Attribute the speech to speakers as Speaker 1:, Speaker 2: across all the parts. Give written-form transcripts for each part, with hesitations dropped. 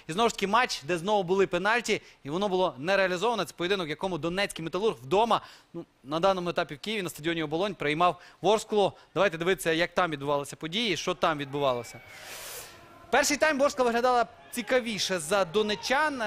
Speaker 1: І знову ж таки матч, де знову були пенальті, і воно було не реалізовано. Це поєдинок, в якому Донецький Металург вдома, на даному етапі в Києві, на стадіоні Оболонь, приймав Ворсклу. Давайте дивитися, як там відбувалися події, що там відбувалося. Перший тайм Ворскла виглядала цікавіше за донечан.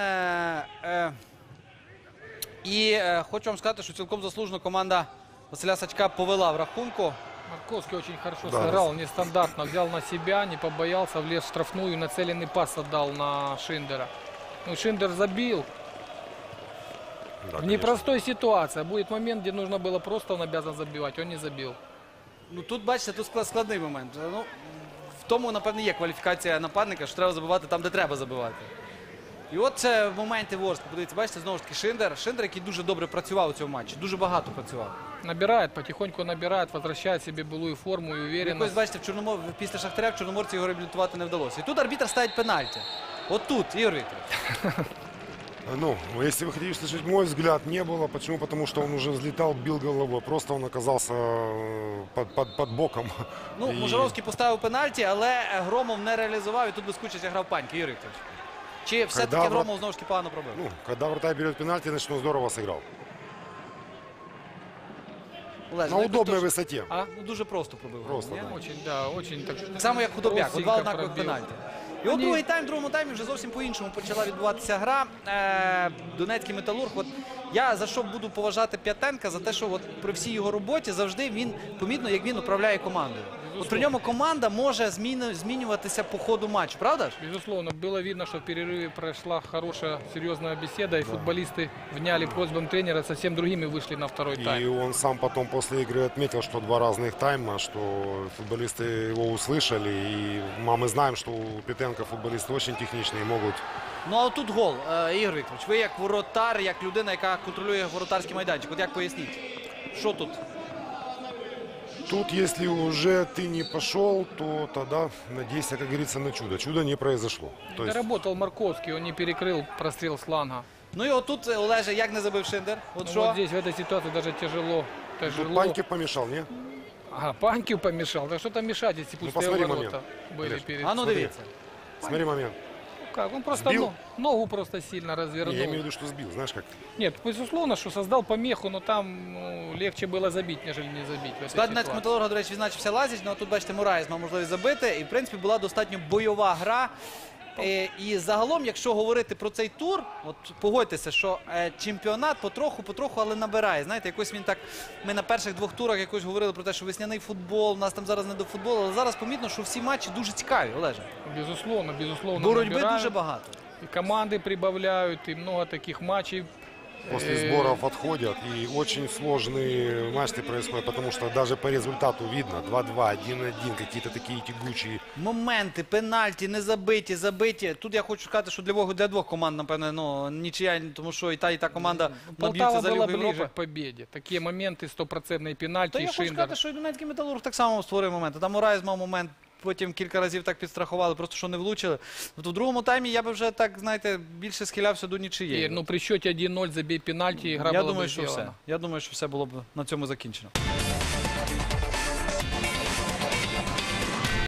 Speaker 1: І хочу вам сказати, що цілком заслужено команда Василя Сачка повела в рахунку.
Speaker 2: Марковский очень хорошо сыграл, нестандартно, взял на себя, не побоялся, влез в штрафную, нацеленный пас отдал на Шиндера. Ну, Шиндер забил.
Speaker 3: Да,
Speaker 2: В непростой ситуации. Будет момент, где нужно было просто, он обязан забивать, он не забил.
Speaker 1: Ну, тут, бачите, тут складний момент. Ну, в тому, напевно, є кваліфікація нападника, що треба забивати там, де треба забивати. І от це моменти Ворскли. Подивіться, бачите, знову ж таки Шиндер. Шиндер, який дуже добре працював у цьому матчі, дуже багато працював.
Speaker 2: Набирает, потихоньку набирает, возвращает себе былую форму и уверенность.
Speaker 1: Якось, бачите, після Шахтаря в Чорноморці його реабілітувати не вдалося. І тут арбітр ставить пенальті. От тут, Ігор Вікторович.
Speaker 3: Ну, если вы хотите услышать мой взгляд, не было. Почему? Потому что он уже взлетал, бил головой. Просто он оказался под боком.
Speaker 1: Ну, Можаровський поставив пенальті, але Громов не реалізував, і тут безкучість грав Паньки, Ігор Вікторович. Чи все-таки Громов знову ж таки погано пробив?
Speaker 3: Ну, когда вратарь берет пенальти, значит, он здорово сыграл.
Speaker 1: Олеже,
Speaker 3: На удобной высоте.
Speaker 1: Ну, дуже просто пробив.
Speaker 3: Просто,
Speaker 1: ні?
Speaker 3: да.
Speaker 2: Очень, да, очень так.
Speaker 1: Так само, як Худобяк. От два однакових
Speaker 2: пробил.
Speaker 1: пенальті. І от другий тайм, в другому таймі вже зовсім по-іншому почала відбуватися гра. Донецький Металург. От я за що буду поважати П'ятенка? За те, що от при всій його роботі завжди він помітно, як він управляє командою. От при ньому команда може змінюватися по ходу матчу, правда ж?
Speaker 2: Безусловно, было видно, что в перерыве прошла хорошая, серьезная беседа, и футболисты вняли просьбам тренера, совсем другими вышли на второй тайм.
Speaker 3: И он сам потом после игры отметил, что два разных тайма, что футболисты его услышали. И мы знаем, что у Петенко футболисты очень техничные, могут...
Speaker 1: Ну, а тут гол, Ігор Вікторович. Ви як воротар, як людина, яка контролює воротарський майданчик. От як поясніть? Що тут?
Speaker 3: Тут, если уже ты не пошел, то тогда надейся, как говорится, на чудо. Чудо не произошло. То есть...
Speaker 2: Доработал Марковский, он не перекрыл прострел с фланга.
Speaker 1: Ну і отут, Олеже, як не забив Шиндер? От
Speaker 2: Ну,
Speaker 1: що?
Speaker 2: вот здесь, в этой ситуации, даже тяжело.
Speaker 3: Тут Паньків помешал, не?
Speaker 2: Ага, Паньків помешал. Да что-то мешать, если пустые
Speaker 3: посмотри
Speaker 2: ворота
Speaker 3: момент.
Speaker 2: были
Speaker 3: Олеж.
Speaker 2: перед...
Speaker 1: А ну
Speaker 3: Смотри.
Speaker 1: дивіться.
Speaker 3: Смотри момент.
Speaker 2: Как? Он просто
Speaker 3: Сбил?
Speaker 2: ногу просто сильно развернул.
Speaker 3: Не, я имею в виду, что сбил. Знаешь как?
Speaker 2: Нет, безусловно, что создал помеху, но там легче было забить, нежели не забить. В этой
Speaker 1: Склад Донецького
Speaker 2: ситуации.
Speaker 1: Металурга, до речі, відзначився Лазіч, але тут, бачите, Мураєс мав можливість забити. І, в принципі, була достатньо бойова гра. І загалом, якщо говорити про цей тур, от погодьтеся, що чемпіонат потроху, але набирає. Знаєте, якось він так, ми на перших двох турах якось говорили про те, що весняний футбол, у нас там зараз не до футболу, але зараз помітно, що всі матчі дуже цікаві, Олеже.
Speaker 2: Безусловно,
Speaker 1: Боротьби
Speaker 2: набирают.
Speaker 1: дуже багато.
Speaker 2: И команды прибавляют, и много таких матчей.
Speaker 3: После сборов отходят, и очень сложные матчи происходят, потому что даже по результату видно 2-2, 1-1, какие-то такие тягучие.
Speaker 1: Моменти, пенальті, не забиті, забиті. Тут я хочу сказати, що для двох команд, напевно, ну, нічия, тому що і та команда наб'ються
Speaker 2: Полтава
Speaker 1: за
Speaker 2: была
Speaker 1: Лігу
Speaker 2: ближе
Speaker 1: Європи.
Speaker 2: к победе. Такие моменты, стопроцентные пенальти,
Speaker 1: Та
Speaker 2: и
Speaker 1: я хочу
Speaker 2: Шиндер.
Speaker 1: сказати, що і Донецький Металург так само створив моменти. Там Мураєс мав момент, потім кілька разів так підстрахували, просто що не влучили. От у другому таймі я би вже так, знаєте, більше схилявся до нічиєї.
Speaker 2: Ну, при счете 1-0 забей пенальти, игра
Speaker 1: Я
Speaker 2: была
Speaker 1: думаю,
Speaker 2: бы
Speaker 1: що все.
Speaker 2: сделана.
Speaker 1: Я думаю, що все було б на цьому закінчено.